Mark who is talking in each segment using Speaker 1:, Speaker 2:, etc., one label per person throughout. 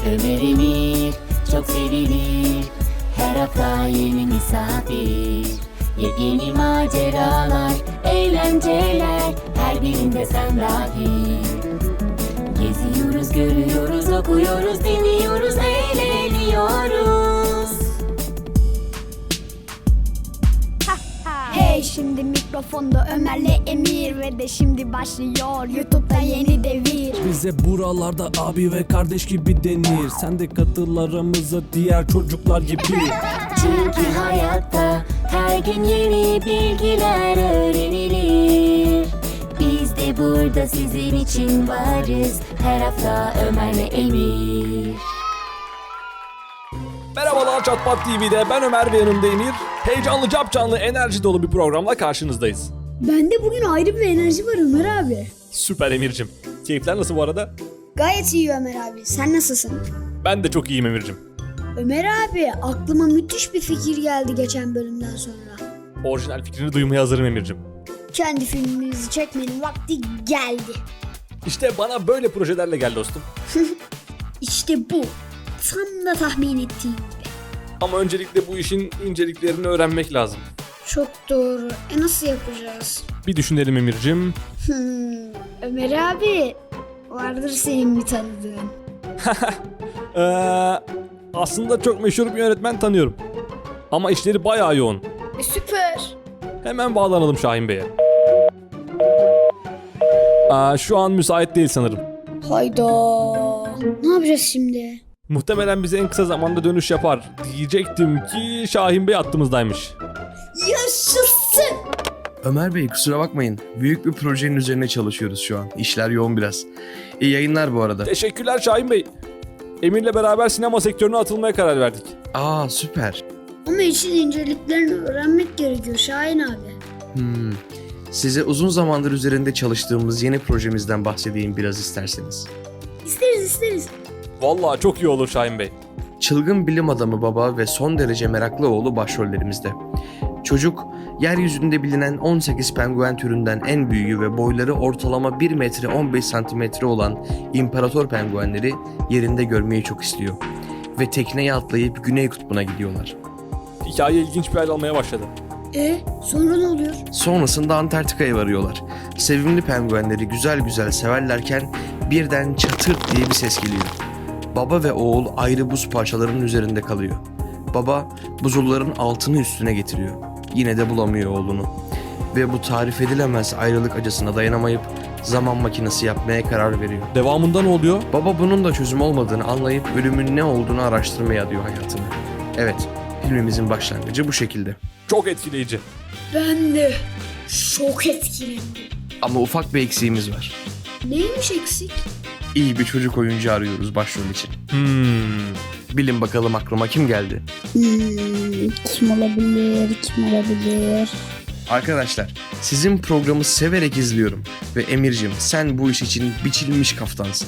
Speaker 1: Ömer Emir çok sevilir. Her hafta yeni misafir. Yepyeni maceralar, eğlenceler, her birinde sen dahil. Geziyoruz, görüyoruz, okuyoruz, dinliyoruz, eğleniyoruz.
Speaker 2: Hey, şimdi mikrofonda Ömer'le Emir ve de şimdi başlıyor YouTube'da yeni devir.
Speaker 3: Bize buralarda abi ve kardeş gibi denir. Sen de katıl aramıza diğer çocuklar gibi.
Speaker 1: Çünkü hayatta her gün yeni bilgiler öğrenilir. Biz de burada sizin için varız. Her hafta Ömer'le Emir.
Speaker 3: Merhabalar Çatpat TV'de ben Ömer ve yanımda Emir. Heyecanlı, capcanlı, enerji dolu bir programla karşınızdayız.
Speaker 2: Bende bugün ayrı bir enerji var Ömer abi.
Speaker 3: Süper Emir'cim. Keyifler nasıl bu arada?
Speaker 2: Gayet iyi Ömer abi. Sen nasılsın?
Speaker 3: Ben de çok iyiyim Emir'cim.
Speaker 2: Ömer abi, aklıma müthiş bir fikir geldi geçen bölümden sonra.
Speaker 3: Orijinal fikrini duymaya hazırım Emir'cim.
Speaker 2: Kendi filmimizi çekmenin vakti geldi.
Speaker 3: İşte bana böyle projelerle gel dostum.
Speaker 2: İşte bu. Tam da tahmin ettiğim gibi.
Speaker 3: Ama öncelikle bu işin inceliklerini öğrenmek lazım.
Speaker 2: Çok doğru. Nasıl yapacağız?
Speaker 3: Bir düşünelim Emir'cim.
Speaker 2: Ömer abi, vardır senin bir tanıdığın.
Speaker 3: Aslında çok meşhur bir yönetmen tanıyorum. Ama işleri bayağı yoğun.
Speaker 2: Süper.
Speaker 3: Hemen bağlanalım Şahin Bey'e. Şu an müsait değil sanırım.
Speaker 2: Hayda. Ne yapacağız şimdi?
Speaker 3: Muhtemelen bize en kısa zamanda dönüş yapar. Diyecektim ki Şahin Bey hattımızdaymış.
Speaker 2: Yaşasın.
Speaker 4: Ömer Bey kusura bakmayın. Büyük bir projenin üzerine çalışıyoruz şu an. İşler yoğun biraz. İyi yayınlar bu arada.
Speaker 3: Teşekkürler Şahin Bey. Emir'le beraber sinema sektörüne atılmaya karar verdik.
Speaker 4: Süper.
Speaker 2: Ama işin inceliklerini öğrenmek gerekiyor Şahin abi.
Speaker 4: Size uzun zamandır üzerinde çalıştığımız yeni projemizden bahsedeyim biraz isterseniz.
Speaker 2: İsteriz.
Speaker 3: Vallahi çok iyi olur Şahin Bey.
Speaker 4: Çılgın bilim adamı baba ve son derece meraklı oğlu başrollerimizde. Çocuk, yeryüzünde bilinen 18 penguen türünden en büyüğü ve boyları ortalama 1 metre 15 santimetre olan imparator penguenleri yerinde görmeyi çok istiyor. Ve tekneye atlayıp Güney Kutbu'na gidiyorlar.
Speaker 3: Hikaye ilginç bir hal almaya başladı.
Speaker 2: Sonra ne oluyor?
Speaker 4: Sonrasında Antarktika'ya varıyorlar. Sevimli penguenleri güzel güzel severlerken birden çatırt diye bir ses geliyor. Baba ve oğul ayrı buz parçalarının üzerinde kalıyor. Baba buzulların altını üstüne getiriyor. Yine de bulamıyor oğlunu. Ve bu tarif edilemez ayrılık acısına dayanamayıp zaman makinesi yapmaya karar veriyor.
Speaker 3: Devamında ne oluyor?
Speaker 4: Baba bunun da çözüm olmadığını anlayıp ölümün ne olduğunu araştırmaya adıyor hayatını. Evet, filmimizin başlangıcı bu şekilde.
Speaker 3: Çok etkileyici.
Speaker 2: Ben de çok etkilendim.
Speaker 4: Ama ufak bir eksiğimiz var.
Speaker 2: Neymiş eksik?
Speaker 4: İyi bir çocuk oyuncu arıyoruz başrol için. Bilin bakalım aklıma kim geldi?
Speaker 2: Kim olabilir?
Speaker 4: Arkadaşlar, sizin programı severek izliyorum. Ve Emir'cim sen bu iş için biçilmiş kaftansın.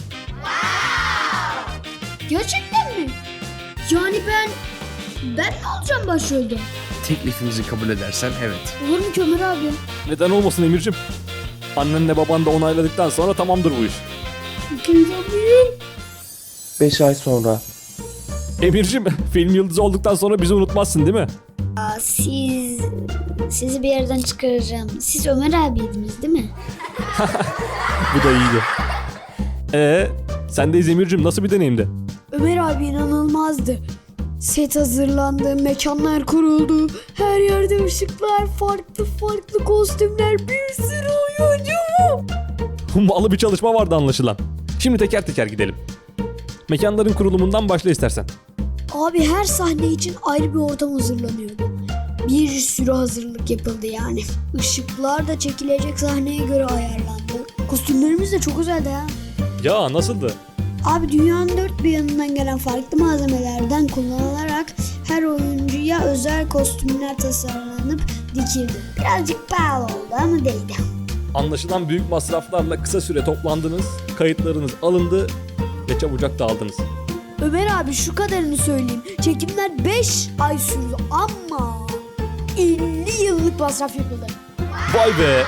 Speaker 2: Gerçekten mi? Yani ben mi olacağım başrolde?
Speaker 4: Teklifimizi kabul edersen evet.
Speaker 2: Olur mu ki Ömer abi?
Speaker 3: Neden olmasın Emir'cim? Annenle baban da onayladıktan sonra tamamdır bu iş.
Speaker 2: İkinci alayım.
Speaker 4: 5 ay sonra.
Speaker 3: Emir'cim film yıldızı olduktan sonra bizi unutmazsın değil mi?
Speaker 2: Sizi bir yerden çıkaracağım. Siz Ömer abiydiniz değil mi?
Speaker 3: Bu da iyiydi. Sendeyiz Emir'cim, nasıl bir deneyimdi?
Speaker 2: Ömer abi inanılmazdı. Set hazırlandı, mekanlar kuruldu. Her yerde ışıklar, farklı kostümler, bir sürü oyuncu.
Speaker 3: Hummalı bir çalışma vardı anlaşılan. Şimdi teker teker gidelim. Mekanların kurulumundan başla istersen.
Speaker 2: Abi her sahne için ayrı bir ortam hazırlanıyordu. Bir sürü hazırlık yapıldı yani. Işıklar da çekilecek sahneye göre ayarlandı. Kostümlerimiz de çok özeldi ha.
Speaker 3: Ya nasıldı?
Speaker 2: Abi dünyanın dört bir yanından gelen farklı malzemelerden kullanılarak her oyuncuya özel kostümler tasarlanıp dikildi. Birazcık pahalı oldu ama değdi.
Speaker 3: Anlaşılan büyük masraflarla kısa süre toplandınız, kayıtlarınız alındı ve çabucak dağıldınız.
Speaker 2: Ömer abi şu kadarını söyleyeyim. Çekimler 5 ay sürdü ama 50 yıllık masraf yapıldı.
Speaker 3: Vay be!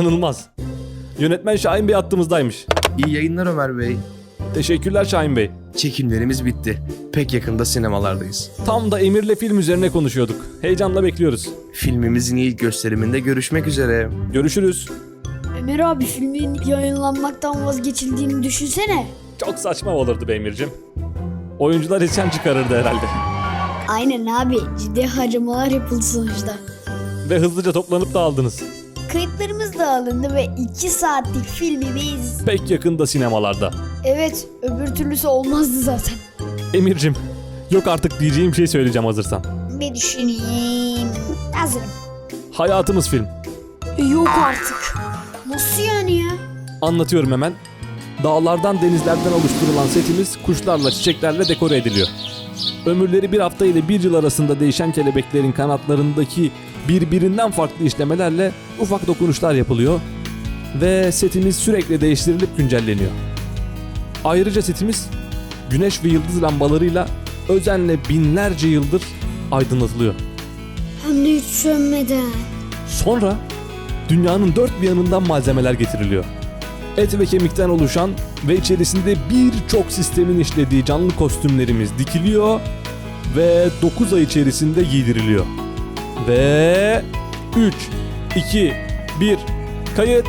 Speaker 3: İnanılmaz. Yönetmen Şahin Bey hattımızdaymış.
Speaker 4: İyi yayınlar Ömer Bey.
Speaker 3: Teşekkürler Şahin Bey.
Speaker 4: Çekimlerimiz bitti. Pek yakında sinemalardayız.
Speaker 3: Tam da Emir'le film üzerine konuşuyorduk. Heyecanla bekliyoruz.
Speaker 4: Filmimizin ilk gösteriminde görüşmek üzere.
Speaker 3: Görüşürüz.
Speaker 2: Ömer abi filmin yayınlanmaktan vazgeçildiğini düşünsene.
Speaker 3: Çok saçma olurdu be Emir'cim. Oyuncular isyan çıkarırdı herhalde.
Speaker 2: Aynen abi, ciddi harcamalar yapıldı sonuçta.
Speaker 3: Ve hızlıca toplanıp dağıldınız.
Speaker 2: Kayıtlarımız da alındı ve 2 saatlik filmimiz...
Speaker 3: Pek yakında sinemalarda.
Speaker 2: Evet, öbür türlüsü olmazdı zaten.
Speaker 3: Emir'cim, yok artık diyeceğim şey söyleyeceğim hazırsan.
Speaker 2: Bir düşüneyim. Hazırım.
Speaker 3: Hayatımız film.
Speaker 2: Yok artık. Nasıl yani ya?
Speaker 3: Anlatıyorum hemen. Dağlardan denizlerden oluşturulan setimiz kuşlarla çiçeklerle dekore ediliyor. Ömürleri bir hafta ile bir yıl arasında değişen kelebeklerin kanatlarındaki birbirinden farklı işlemelerle ufak dokunuşlar yapılıyor. Ve setimiz sürekli değiştirilip güncelleniyor. Ayrıca setimiz güneş ve yıldız lambalarıyla özenle binlerce yıldır aydınlatılıyor.
Speaker 2: Hem de hiç sönmeden.
Speaker 3: Sonra dünyanın dört bir yanından malzemeler getiriliyor. Et ve kemikten oluşan ve içerisinde birçok sistemin işlediği canlı kostümlerimiz dikiliyor ve 9 ay içerisinde giydiriliyor. Ve 3, 2, 1, kayıt.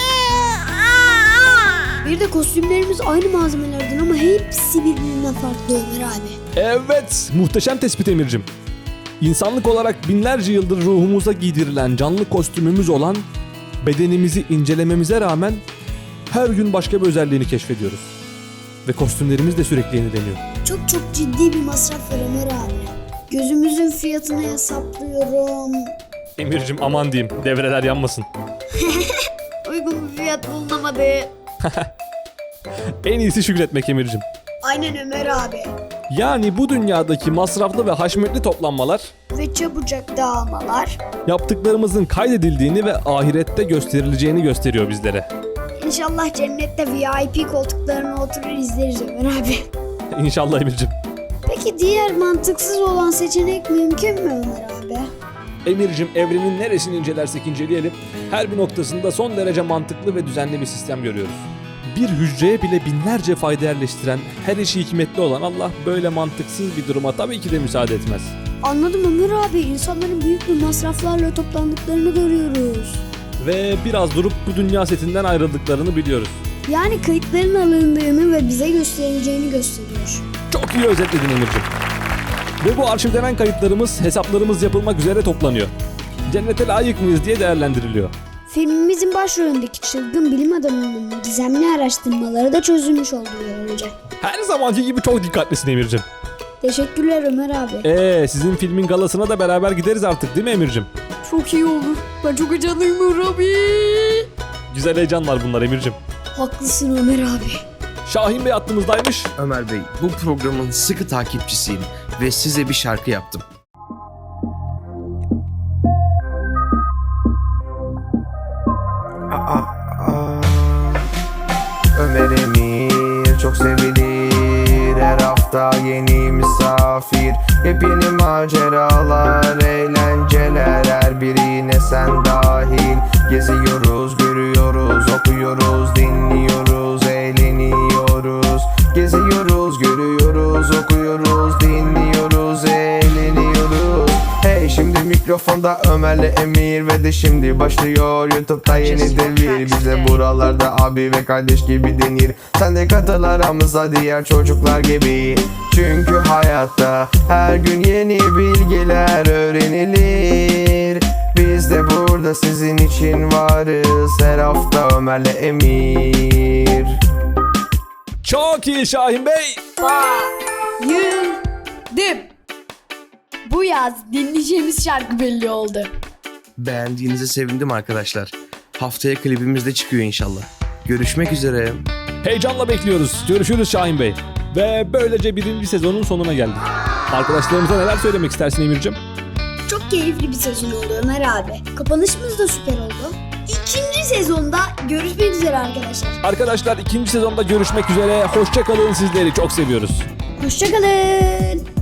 Speaker 2: Bir de kostümlerimiz aynı malzemelerden ama hepsi birbirinden farklı Ömer abi.
Speaker 3: Evet, muhteşem tespit Emir'cim. İnsanlık olarak binlerce yıldır ruhumuza giydirilen canlı kostümümüz olan bedenimizi incelememize rağmen her gün başka bir özelliğini keşfediyoruz. Ve kostümlerimiz de sürekli yenileniyor.
Speaker 2: Çok ciddi bir masraf var Ömer abi. Gözümüzün fiyatını hesaplıyorum.
Speaker 3: Emir'cim aman diyeyim, devreler yanmasın.
Speaker 2: Uygun bir fiyat bulunamadı.
Speaker 3: En iyisi şükretmek Emir'cim.
Speaker 2: Aynen Ömer abi.
Speaker 3: Yani bu dünyadaki masraflı ve haşmetli toplanmalar
Speaker 2: Ve çabucak dağılmalar.
Speaker 3: yaptıklarımızın kaydedildiğini ve ahirette gösterileceğini gösteriyor bizlere.
Speaker 2: İnşallah cennette VIP koltuklarına oturur izleriz Ömer abi.
Speaker 3: İnşallah Emir'cim.
Speaker 2: Peki diğer mantıksız olan seçenek mümkün mü Ömer abi?
Speaker 3: Emir'cim evrenin neresini incelersek inceleyelim her bir noktasında son derece mantıklı ve düzenli bir sistem görüyoruz. Bir hücreye bile binlerce fayda yerleştiren, her işi hikmetli olan Allah böyle mantıksız bir duruma tabii ki de müsaade etmez.
Speaker 2: Anladım Ömer abi. İnsanların büyük bir masraflarla toplandıklarını görüyoruz.
Speaker 3: Ve biraz durup bu dünya setinden ayrıldıklarını biliyoruz.
Speaker 2: Yani kayıtların alındığını ve bize gösterileceğini gösteriyor.
Speaker 3: Çok iyi özetledin Emir'cim. Ve bu arşivlenen kayıtlarımız, hesaplarımız yapılmak üzere toplanıyor. Cennete layık mıyız diye değerlendiriliyor.
Speaker 2: Filmimizin başrolündeki çılgın bilim adamının gizemli araştırmaları da çözülmüş oldu böylece.
Speaker 3: Her zamanki gibi çok dikkatlisin Emir'cim.
Speaker 2: Teşekkürler Ömer abi.
Speaker 3: Sizin filmin galasına da beraber gideriz artık değil mi Emir'cim?
Speaker 2: Çok iyi olur. Ben çok heyecanlıyım Ömer abi.
Speaker 3: Güzel heyecanlar bunlar Emir'cim.
Speaker 2: Haklısın Ömer abi.
Speaker 3: Şahin Bey hattımızdaymış.
Speaker 4: Ömer Bey, bu programın sıkı takipçisiyim ve size bir şarkı yaptım.
Speaker 5: Ömer Emir çok sevilir. Her hafta yeni misafir. Yepyeni maceralar, eğlenceler, her birine sen dahil. Geziyoruz, görüyoruz, okuyoruz, dinliyoruz, eğleniyoruz. Geziyoruz, görüyoruz, okuyoruz, dinliyoruz, eğleniyoruz. Hey, şimdi mikrofonda Ömer'le Emir ve de şimdi başlıyor YouTube'da yeni devir. Bize buralarda abi ve kardeş gibi denir. Sen de katıl aramıza diğer çocuklar gibi. Çünkü hayatta her gün yeni bilgiler öğrenilir. Biz de burada sizin için varız. Her hafta Ömer'le Emir.
Speaker 3: Çok iyi Şahin Bey.
Speaker 2: Bayıldım. Bu yaz dinleyeceğimiz şarkı belli oldu.
Speaker 4: Beğendiğinize sevindim arkadaşlar. Haftaya klibimiz de çıkıyor inşallah. Görüşmek üzere.
Speaker 3: Heyecanla bekliyoruz. Görüşürüz Şahin Bey. Ve böylece birinci sezonun sonuna geldik. Arkadaşlarımıza neler söylemek istersin Emir'cim?
Speaker 2: Çok keyifli bir sezon oldu Ömer abi. Kapanışımız da süper oldu. İkinci sezonda görüşmek üzere arkadaşlar.
Speaker 3: Arkadaşlar ikinci sezonda görüşmek üzere. Hoşça kalın, sizleri çok seviyoruz.
Speaker 2: Hoşçakalın.